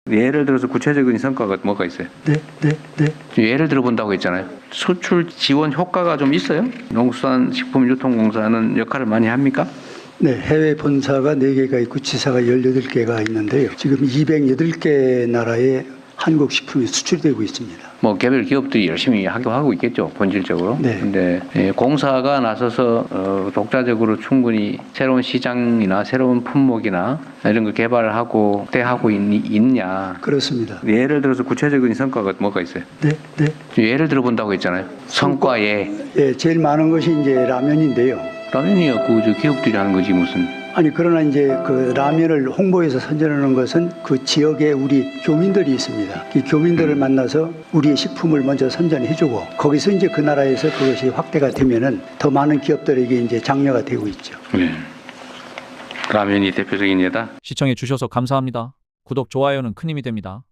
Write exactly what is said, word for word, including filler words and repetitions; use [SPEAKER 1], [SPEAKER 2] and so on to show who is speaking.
[SPEAKER 1] 예를 들어서 구체적인 성과가 뭐가 있어요?
[SPEAKER 2] 네, 네, 네.
[SPEAKER 1] 예를 들어 본다고 했잖아요. 수출 지원 효과가 좀 있어요? 농수산식품유통공사는 역할을 많이 합니까?
[SPEAKER 2] 네, 해외 본사가 네 개가 있고 지사가 열여덟 개가 있는데요. 지금 이백여덟 개 나라에 한국 식품이 수출되고 있습니다.
[SPEAKER 1] 뭐 개별 기업들이 열심히 하고 하고 있겠죠, 본질적으로.
[SPEAKER 2] 네.
[SPEAKER 1] 근데 예, 공사가 나서서 어, 독자적으로 충분히 새로운 시장이나 새로운 품목이나 이런 걸 개발하고 확대하고 있, 있냐?
[SPEAKER 2] 그렇습니다.
[SPEAKER 1] 예를 들어서 구체적인 성과가 뭐가 있어요?
[SPEAKER 2] 네, 네.
[SPEAKER 1] 예를 들어 본다고 했잖아요. 성과에
[SPEAKER 2] 예, 제일 많은 것이 이제 라면인데요.
[SPEAKER 1] 라면이야 그저 기업들이 하는 거지 무슨.
[SPEAKER 2] 아니 그러나 이제 그 라면을 홍보해서 선전하는 것은 그 지역에 우리 교민들이 있습니다. 이 교민들을 만나서 우리의 식품을 먼저 선전해주고 거기서 이제 그 나라에서 그것이 확대가 되면은 더 많은 기업들에게 이제 장려가 되고 있죠.
[SPEAKER 1] 네. 라면이 대표적인 예다.
[SPEAKER 3] 시청해 주셔서 감사합니다. 구독, 좋아요는 큰 힘이 됩니다.